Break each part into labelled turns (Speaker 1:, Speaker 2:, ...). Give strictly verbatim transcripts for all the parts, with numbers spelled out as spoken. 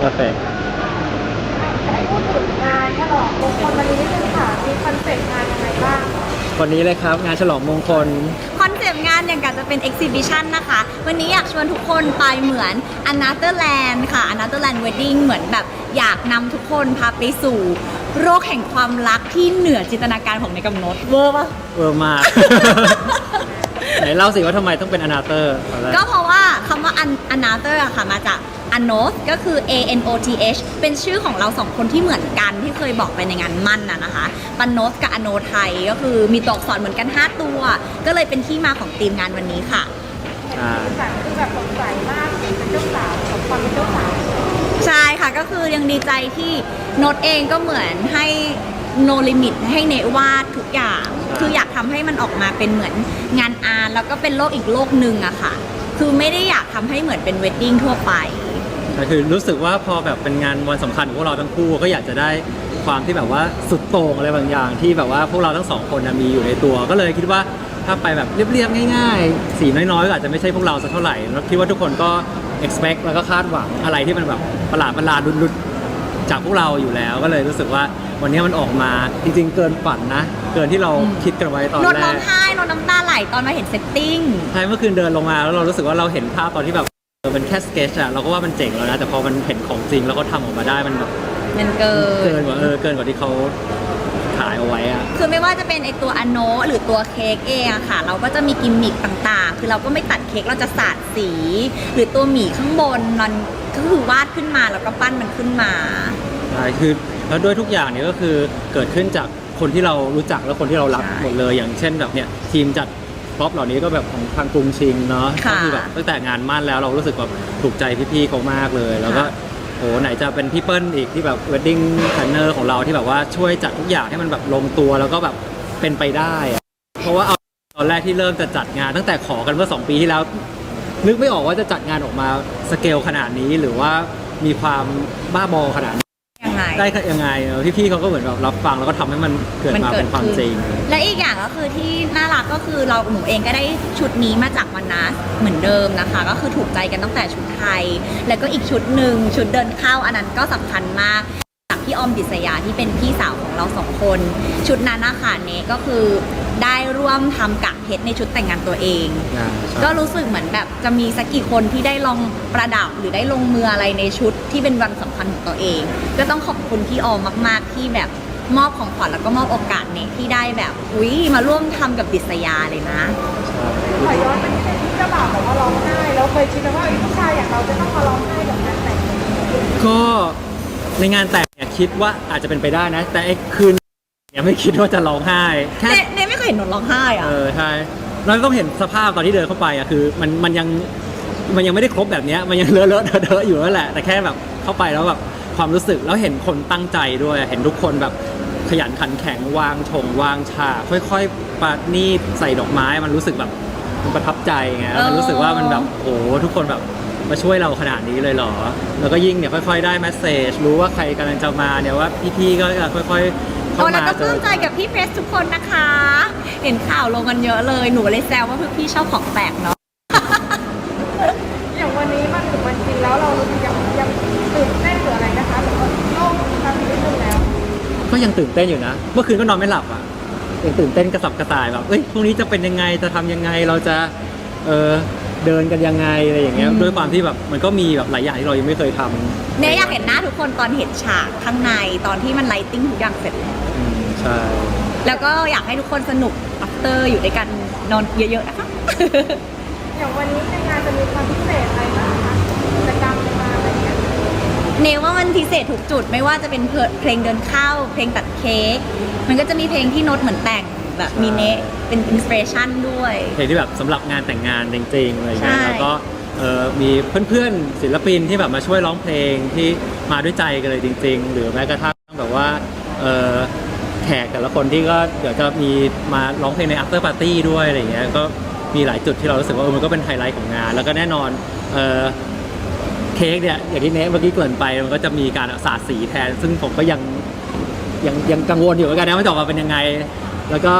Speaker 1: โอเค
Speaker 2: พูดถึงงานฉลองมงคลวันนี้นิดนึงค่ะมีคอนเซ็ปต์งานยังไงบ้าง
Speaker 1: วันนี้เลยครับงานฉลองมงคล
Speaker 3: คอนเซปต์งานอย่างกับจะเป็น exhibition นะคะ วันนี้อยากชวนทุกคนไปเหมือน Another Land ค่ะ Another Land Wedding เหมือนแบบอยากนำทุกคนพาไปสู่โลกแห่งความรักที่เหนือจินตนาการของในกำหนดเวอร์ปะ
Speaker 1: เวอร์มาก ไหนเล่าสิว่าทำไมต้องเป็นอนาเตอร์
Speaker 3: ก็เพราะว่าคำว่า Another อะค่ะมาจาก Anoth ก็คือ A N O T H เป็นชื่อของเราสองคนที่เหมือนกันที่เคยบอกไปในงานมั่นน่ะนะคะปานโนธกับอโนไทยก็คือมีตัวอักษรเหมือนกันห้าตัวก็เลยเป็นที่มาของธีมงานวันนี้ค่ะ
Speaker 2: สีสันคือแบบสดใสมากเป็นเจ้าสาวของความเป็นเจ้าสาว
Speaker 3: ใช่ค่ะก็คือยังดีใจที่โนตเองก็เหมือนให้ no limit ให้เนวาดทุกอย่างคืออยากทำให้มันออกมาเป็นเหมือนงานอาร์ตแล้วก็เป็นโลกอีกโลกหนึ่งอะค่ะคือไม่ได้อยากทำให้เหมือนเป็นเวดดิ้งทั่วไป
Speaker 1: แต่คือรู้สึกว่าพอแบบเป็นงานวันสำคัญของพวกเราทั้งคู่ก็อยากจะได้ความที่แบบว่าสุดโต่งอะไรบางอย่างที่แบบว่าพวกเราทั้งสองคนมีอยู่ในตัวก็เลยคิดว่าถ้าไปแบบเรียบๆง่ายๆสีน้อยๆก็อาจจะไม่ใช่พวกเราสักเท่าไหร่แล้วคิดว่าทุกคนก็ expect แล้วก็คาดหวังอะไรที่มันแบบประหลาดประหลาดลุดๆจากพวกเราอยู่แล้วก็เลยรู้สึกว่าวันนี้มันออกมาจริงๆเกินฝันนะเกินที่เราคิดกันไว้ตอนแรก
Speaker 3: นนร้องไห้นนน้ำตาไหลตอนมาเห็นเซตติ้ง
Speaker 1: ใช่เมื่อคืนเดินลงมาแล้วเรารู้สึกว่าเราเห็นภาพตอนที่แบบเป็นแค่สเกจอะเราก็ว่ามันเจ๋งแล้วนะแต่พอมันเห็นของจริงแล้วก็ทำออกมาได้มันแบบ
Speaker 3: มันเกิน
Speaker 1: เกินกว่าเออเกินกว่าที่เขาถ่ายเอาไว้อะ
Speaker 3: คือไม่ว่าจะเป็นไอตัวอโนหรือตัวเค้กเองอะค่ะเราก็จะมีกิมมิคต่างๆคือเราก็ไม่ตัดเค้กเราจะสาดสี หรือตัวหมีข้างบนมันก็คือวาดขึ้นมาแล้วก็ปั้นมันขึ้นมา
Speaker 1: ใช่คือแล้วด้วยทุกอย่างเนี่ยก็คือเกิดขึ้นจากคนที่เรารู้จักและคนที่เรารักหมดเลยอย่างเช่นแบบเนี่ยทีมจัดพร็อพเหล่านี้ก็แบบของทางกรุงชิงเนาะก็คือแบบตั้งแต่งานมั่นแล้วเรารู้สึกแบบถูกใจพี่ๆเขามากเลยแล้วก็โหไหนจะเป็นพี่เปิ้ลอีกที่แบบ wedding planner ของเราที่แบบว่าช่วยจัดทุกอย่างให้มันแบบลงตัวแล้วก็แบบเป็นไปได้เพราะว่าเอาตอนแรกที่เริ่มจะจัดงานตั้งแต่ขอกันเมื่อสองปีที่แล้วนึกไม่ออกว่าจะจัดงานออกมาสเกลขนาดนี้หรือว่ามีความบ้าบอขนาดได้ยังไงพี่ๆเขาก็เหมือนแบบรับฟังแล้วก็ทำให้มันเกิดมาเป็นความจริง
Speaker 3: และอีกอย่างก็คือที่น่ารักก็คือเราหนูเองก็ได้ชุดนี้มาจากวันนัสเหมือนเดิมนะคะก็คือถูกใจกันตั้งแต่ชุดไทยแล้วก็อีกชุดหนึ่งชุดเดินเข้าอันนั้นก็สำคัญมากจากพี่ออมดิษยาที่เป็นพี่สาวของเราสองคนชุดนั้นนะคะเนก็คือได้ร่วมทำกากเพชรในชุดแต่งงานตัวเองก็รู้สึกเหมือนแบบจะมีสักกี่คนที่ได้ลองประดับหรือได้ลงมืออะไรในชุดที่เป็นวันสำคัญของตัวเองก็ต้องขอบคุณพี่ออมมากๆที่แบบมอบของขวัญแล้วก็มอบโอกาสเนี่ยที่ได้แบบอุ้ยมาร่วมทำกับดิษยาเลยนะ
Speaker 2: ขอย้อนไปที่เจ้าบ่าวบอกว่าร้องไห้แล้วเคยคิดไหมว่าผู้ชายอย่างเราจะต้องมาร้องไห้กับงานแต่ง
Speaker 1: ก็ในงานแต่งเนี่ยคิดว่าอาจจะเป็นไปได้นะแต่ไอ้คืนเนี่ยไม่คิดว่าจะร้องไห้
Speaker 3: แค่เน่ไม่เคยเห็นหนูร้องไห้อ่ะ
Speaker 1: เออใช่เราก็เห็นสภาพตอนที่เดินเข้าไปอ่ะคือมันมันยังมันยังไม่ได้ครบแบบนี้มันยังเลอะเลอะเทอะอยู่นั่นแหละแต่แค่แบบเข้าไปแล้วแบบความรู้สึกแล้วเห็นคนตั้งใจด้วยเห็นทุกคนแบบขยันขันแข็งวางชงวางฉากค่อยๆปาดนี่ใส่ดอกไม้มันรู้สึกแบบมันประทับใจไงมันรู้สึกว่ามันแบบโอ้ทุกคนแบบมาช่วยเราขนาดนี้เลยเหรอแล้วก็ยิ่งเนี่ยค่อยๆได้แมสเซจรู้ว่าใครกำลังจะมาเนี่ยว่าพี่ๆก็จะค่อยๆ
Speaker 3: โอ้แล้วก็ปลื้มใจกับพี่เพรสทุกคนนะคะเห็นข่าวลงกันเยอะเลยหนูเลยแซวว่าพี่ชอบของแปลกเนาะ
Speaker 2: อย่างวันนี้มาถึงวันจริงแล้วเรายังยังตื่นเต้นหรืออะไรนะคะหรือว่าโล่งทำนิดนึงแล้ว
Speaker 1: ก็ยังตื่นเต้นอยู่นะเมื่อคืนก็นอนไม่หลับอ่ะยังตื่นเต้นกระสับกระส่ายแบบเอ้ยพรุ่งนี้จะเป็นยังไงจะทำยังไงเราจะเออเดินกันยังไงอะไรอย่างเงี้ยด้วยความที่แบบมันก็มีแบบหลายอย่างที่เรายังไม่เคยทำ
Speaker 3: เนี่ยอยากเห็นหน้าทุกคนตอนเห็นฉากข้างในตอนที่มันไลติ้งทุกอย่างเสร็จ
Speaker 1: ใช่
Speaker 3: แล้วก็อยากให้ทุกคนสนุกอัฟเตอร์อยู่ด้วยกันนอนเยอะๆนะคะ
Speaker 2: อย่างวันนี้ในงานจะมีความพิเศษอะไรบ้างคะกิจกรรมมาอะไรเงี้ย
Speaker 3: เนว่ามันพิเศษทุกจุดไม่ว่าจะเป็นเพลงเดินเข้าเพลงตัดเค้กมันก็จะมีเพลงที่โน้ตเหมือนแต่งแบบมีเนเป็นอินสปิเรชันด้วย
Speaker 1: เพลงที่แบบสำหรับงานแต่งงานจริงๆอะไรเงี้ยแล้วก็มีเพื่อนๆศิลปินที่แบบมาช่วยร้องเพลงที่มาด้วยใจกันเลยจริงๆหรือแม้กระทั่งแบบว่าแขกแต่ละคนที่ก็เดี๋ยวจะมีมาร้องเพลงใน after party ด้วยอะไรเงี้ยก็มีหลายจุดที่เรารู้สึกว่ามันก็เป็นไฮไลท์ของงานแล้วก็แน่นอนเค้กเนี่ยอย่างที่เนทเมื่อกี้เกริ่นไปมันก็จะมีการสาดสีแทนซึ่งผมก็ยังยังยังกังวลอยู่เหมือนกันนะว่าจะออกมาเป็นยังไงแล้วก็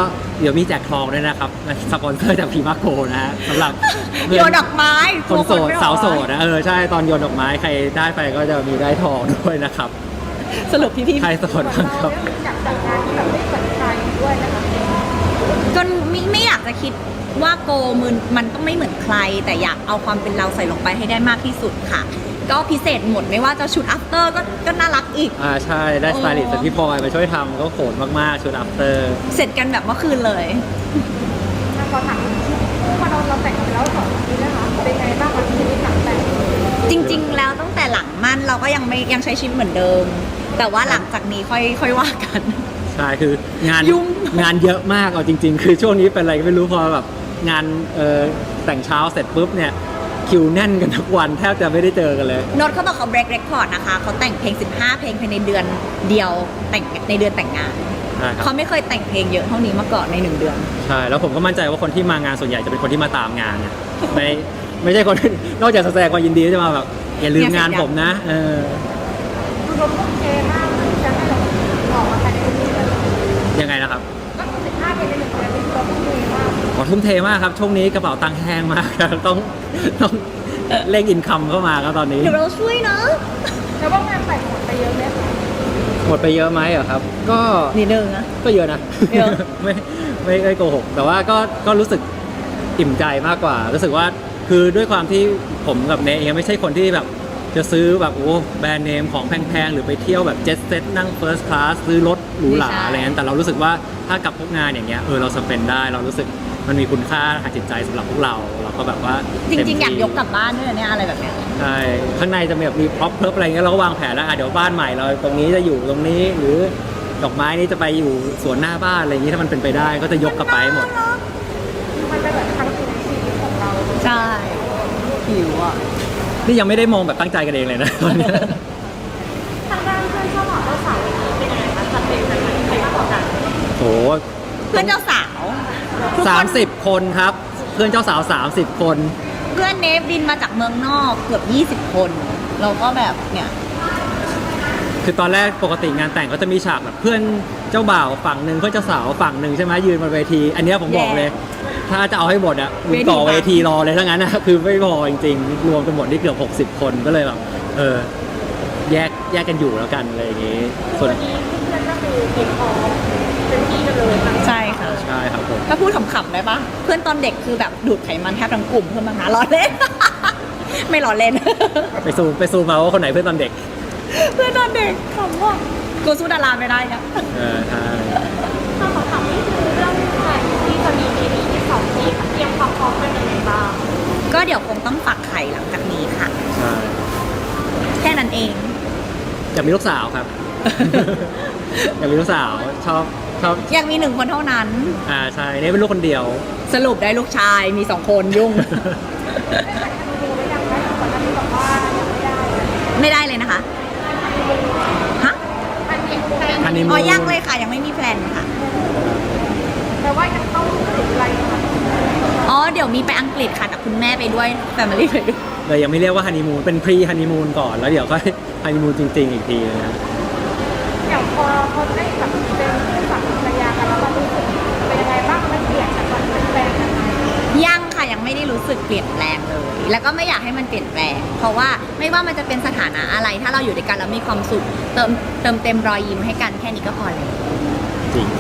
Speaker 1: เดี๋ยวมีแจกทองด้วยนะครับสปอนเซอร์จากพีมาโกนะฮะสำหรับเพื่
Speaker 3: โย
Speaker 1: อน
Speaker 3: ดอกไม้
Speaker 1: คนโสด
Speaker 3: ไม่ออก
Speaker 1: สาวโสดนะเออใช่ตอนโยนดอกไม้ใครได้ไปก็จะมีได้ทองด้วยนะครับ
Speaker 3: สรุปพี่พี่
Speaker 1: ใครโสด
Speaker 2: ส่วน
Speaker 1: บ้าง
Speaker 2: เรา
Speaker 1: ครับ
Speaker 2: เนี่ยอยากจัดงานที่แบบไม่เหมือนใครด้วยนะคะ
Speaker 3: จนไม่ไม่อยากจะคิดว่าโกมันมันต้องไม่เหมือนใคร แต่อยากเอาความเป็นเราใส่ลงไปให้ได้มากที่สุดค่ะ ก็พิเศษหมดไม่ว่าจะชุด after ก็ก็น่ารักอีก
Speaker 1: อ่าใช่ได้สไตลิสต์จากพี่พลอยมาช่วยทำก็โขนมากๆชุดอัปเตอร์
Speaker 3: เสร็จกันแบบเมื่อคืนเลย
Speaker 2: ถ้าขอถามพอเราเราแต่งไปแล้วสองปีนะคะเป็นไงบ้างคะชีวิตหลังแต่ง
Speaker 3: จริง ๆ แล้วตั้งแต่หลังมั่นเราก็ยังไม่ยังใช้ชีวิตเหมือนเดิม แต่ว่าหลังจากนี้ค่อยค่อยว่ากัน
Speaker 1: ใช่คืองาน
Speaker 3: ยุ่ง
Speaker 1: งานเยอะมากเอาจริง ๆ คือช่วงนี้เป็นอะไรก็ไม่รู้พอแบบงานเอ่อแต่งเช้าเสร็จปุ๊บเนี่ยคิวแน่นกันทุกวันแทบจะไม่ได้เจอกันเลย
Speaker 3: โน้ตเขาบอกเขา break record นะคะเขาแต่งเพลง สิบห้า เพลงภายในเดือนเดียวแต่งในเดือนแต่งงาน
Speaker 1: ใช่ครับ
Speaker 3: เขาไม่เคยแต่งเพลงเยอะเท่านี้มาก่อนในหนึ่งเดือน
Speaker 1: ใช่แล้วผมก็มั่นใจว่าคนที่มางานส่วนใหญ่จะเป็นคนที่มาตามงานเนี่ยไม่ไม่ใช่คน นอกจากแสดงความยินดีจะมาแบบอย่าลืมงานผมนะเออ
Speaker 2: คือเราทุ่มเทมากที่จะให้เราออกมาภายในเดือนนี้เลย
Speaker 1: ยังไงนะครับ
Speaker 2: ก็คือสิบห้าเป็นในหนึ่งเดือนนี้เราทุ่มเทมาก
Speaker 1: ขอทุ่มเทมากครับช่วงนี้กระเป๋าตังค์แห้งมากครับต้องต้องเร่งอินคัมเข้ามาครับตอนนี้
Speaker 3: เดี๋ยวเราช่วยเนาะ
Speaker 2: แล้วว่างานแต่งหมดไปเยอะไหมคะ
Speaker 1: หมดไปเยอะไหมเหรอครับ ก็
Speaker 3: นิดนึงนะ
Speaker 1: ก็เยอะนะ
Speaker 3: เยอะ
Speaker 1: ไม่ไม่ไม่โกหก แต่ว่าก็ก็รู้สึกอิ่มใจมากกว่า รู้สึกว่าคือด้วยความที่ผมกับเนยเองไม่ใช่คนที่แบบจะซื้อแบบโอ้แบรนด์เนมของแพงๆ หรือไปเที่ยวแบบเจ็ตเซ็ตนั่งเฟิร์สคลาสซื้อรถหรูหราอะไรเงี้ยแต่เรารู้สึกว่าถ้ากับพวกงานอย่างเงี้ยเออเราสเปนได้ เรารู้สึกมันมีคุณค่าทางจิตใจสำหรับพวกเรา เราก็แบบว่า
Speaker 3: จริง ๆ อยาก
Speaker 1: เต็มที่
Speaker 3: ยกกลับบ้านด้วยนะเนี่ยอะไรแบบเนี้ย
Speaker 1: ใช่ข้างในจะมีแบบมีพร็อพเพิบอะไรเงี้ยเราก็วางแผนแล้วอ่ะเดี๋ยวบ้านใหม่เราตรงนี้จะอยู่ตรงนี้หรือดอกไม้นี้จะไปอยู่สวนหน้าบ้านอะไรอย่างนี้ถ้ามันเป็นไปได้ก็จะยกกลับไปให้หมด
Speaker 2: มันเป็นแบบครั้งหนึ่งในชีวิตของเรา
Speaker 3: ใช่หิวอ่ะ
Speaker 1: นี่ยังไม่ได้มองแบบตั้งใจกันเองเลยนะ ตอนเนี้ย
Speaker 2: ทางด้านเพื่อนเจ้าบ่าวเจ้าสาวเป็นยังไงคะจัดเต็มกันไหมใครมากกว่ากัน
Speaker 1: โห
Speaker 3: เพื่อนเจ้าสาวทุก
Speaker 1: สา
Speaker 3: ค
Speaker 1: ม
Speaker 3: น
Speaker 1: สิบคนครับ เพื่อนเจ้าสาวสามสิบคน
Speaker 3: เพื่อนเนฟบินมาจากเมืองนอกเกือบยี่สิบคน เราก็แบบเนี่ย
Speaker 1: คือตอนแรกปกติงานแต่งก็จะมีฉากแบบเพื่อนเจ้าบ่าวฝั่งหนึ่งเพื่อนเจ้าสาวฝั่งหนึ่งใช่ไหมยืนบนเวที อันเนี้ยผมบอกเลย ถ้าจะเอาให้หมดอ่ะมึงต่อเวทีรอเลยถ้างั้นนะ คือไม่พอจริงๆ รวมกันหมดนี่เกือบหกสิบคนก็เลยแบบเออแยกแยกกันอยู่แล้วกันอะไรอย่างงี้ส่วน
Speaker 2: วันนี้เพื่อนก็คือเก็บของเป็นที่กันเลยค่ะ
Speaker 3: ใช่ค่ะ
Speaker 1: ใช่ครับผม
Speaker 3: ถ้าพูดขำๆได้ปะเพื่อนตอนเด็กคือแบบดูดไขมันแทบทั้งกลุ่มเพื่อนมาหาล้อเล่น ไม่ล้อเล่น
Speaker 1: ไปซูมไปซูมมาว่าคนไหนเพื่อนตอนเด็ก
Speaker 3: เพื่อนตอนเด็กขำว่ะกูสู้ดาราไม่ได้นะ
Speaker 1: เออใช่
Speaker 2: ถ้าขอถามนี่คือเรื่องแต่งที่จะมีปีนี้ที่สองปีค่ะเตรียมความพร้อมเป็นยังไงบ้าง
Speaker 3: ก็เดี๋ยวคงต้องฝักไข่หลังจากนี้ค่ะ
Speaker 1: ใช่
Speaker 3: แค่นั้นเอง
Speaker 1: อยากมีลูกสาวครับ อยากมีลูกสาวชอบชอบ
Speaker 3: ยังมีหนึ่งคนเท่านั้น
Speaker 1: อ่าใช่เนี่ยเป็นลูกคนเดียว
Speaker 3: สรุปได้ลูกชายมีสองคนยุ่ง
Speaker 2: ดูไว้ยังไหมก่อนหน้านี้บอกว่ายังไม่ได้
Speaker 3: ไม่ได้เลยนะคะ ฮะ
Speaker 2: อันนี้แพลน
Speaker 1: อันนี้
Speaker 3: อ๋อยังเลยค่ะ ยังไม่มีแพลนค่ะ
Speaker 2: แต่ว่ายังต้องถึงอะไรคะ
Speaker 3: อ๋อ เดี๋ยวมีไปอังกฤษค่ะกับคุณแม่ไปด้วย แฟมิลี่ไปด้วย
Speaker 1: เลยยังไม่เรียกว่าฮันนีมูนเป็นพรีฮันนีมูนก่อนแล้วเดี๋ยวก็ ฮันนีมูนจริง ๆ อีกทีนะ
Speaker 2: อย่างพอพอได้แบบเป็นคู่สามีภรรยากันแล้วมันรู้สึกเป็นยังไงบ้างมันเปลี่ยนจากตอนเป็นแฟนกันไหม
Speaker 3: ยังค่ะยังไม่ได้รู้สึกเปลี่ยนแปลงเลย แล้วก็ไม่อยากให้มันเปลี่ยนแปลง เพราะว่าไม่ว่ามันจะเป็นสถานะอะไร ถ้าเราอยู่ด้วยกันแล้วมีความสุข เติมเติมเต็มรอยยิ้มให้กันแค่นี้ก็พอแล้ว
Speaker 1: จริง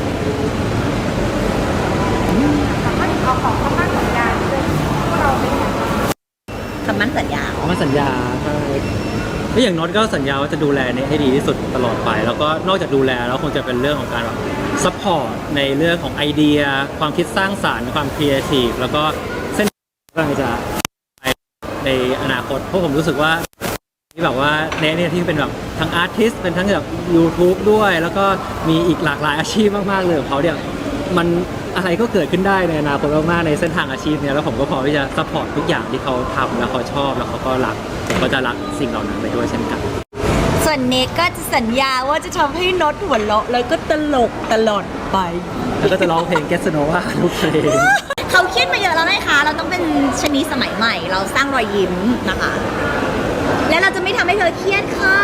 Speaker 2: สามารถเอาของเข้ามาสัญญาด้วยว่าเราเป็นอย่างไร
Speaker 3: คำมั่นสัญญา
Speaker 1: อ๋อมันสัญญาใช่ก็อย่างน็อตก็สัญญาว่าจะดูแลเนี่ยให้ดีที่สุดตลอดไป แล้วก็นอกจากดูแลแล้วคงจะเป็นเรื่องของการแบบซัพพอร์ตในเรื่องของไอเดีย ความคิดสร้างสรรค์ความครีเอทีฟแล้วก็เส้นกำลังจะไปในอนาคตเพราะผมรู้สึกว่าที่แบบว่าเนยเนี่ยที่เป็นแบบทั้งอาร์ติสต์เป็นทั้งแบบ YouTube ด้วย แล้วก็มีอีกหลากหลายอาชีพมากๆเลยของเขาเนี่ยมันอะไรก็เกิดขึ้นได้ในอนาคตมากๆในเส้นทางอาชีพเนี่ยแล้วผมก็พร้อมที่จะซัพพอร์ตทุกอย่างที่เขาทำแล้วเขาชอบแล้วเขาก็รักผมก็จะรักสิ่งเหล่านั้นไปด้วยเช่นกัน
Speaker 3: ส่วนเนกก็จะสัญญาว่าจะทำให้น็อตหัวเราะแล้วก็ตลกตลอดไป
Speaker 1: แล้วก็จะร้องเพลง Get to Know ว่าทุกเพลง
Speaker 3: เขาเครียดมาเยอะแล้วนะคะ เราต้องเป็นชนีสมัยใหม่ เราสร้างรอยยิ้มนะคะ และเราจะไม่ทำให้เธอเครียดค่ะ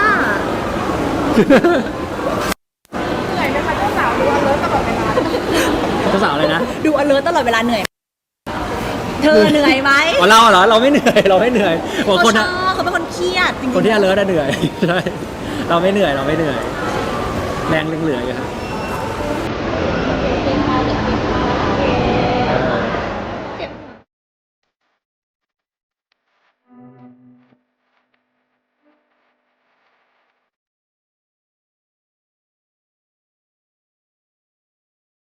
Speaker 2: เหนื่อยไหมคะเจ้าสาวดูว่าเลิศตลอดเวลา
Speaker 1: เจ้าสาวๆเลยนะ
Speaker 3: ดู alert ตลอดเวลาเหนื่อย เธอเหนื่อยไหม
Speaker 1: อ๋อเราเหรอเราไม่เหนื่อยเราไม่เหนื่อยบาง
Speaker 3: เขา
Speaker 1: คน
Speaker 3: ช
Speaker 1: อะ
Speaker 3: อบเขาเป็นคนเครียดจริงๆ
Speaker 1: คนที่ alert อะเหนื่อย ใช่เราไม่เหนื่อยเราไม่เหนื่อย แรงเหลือๆอยู่ครับ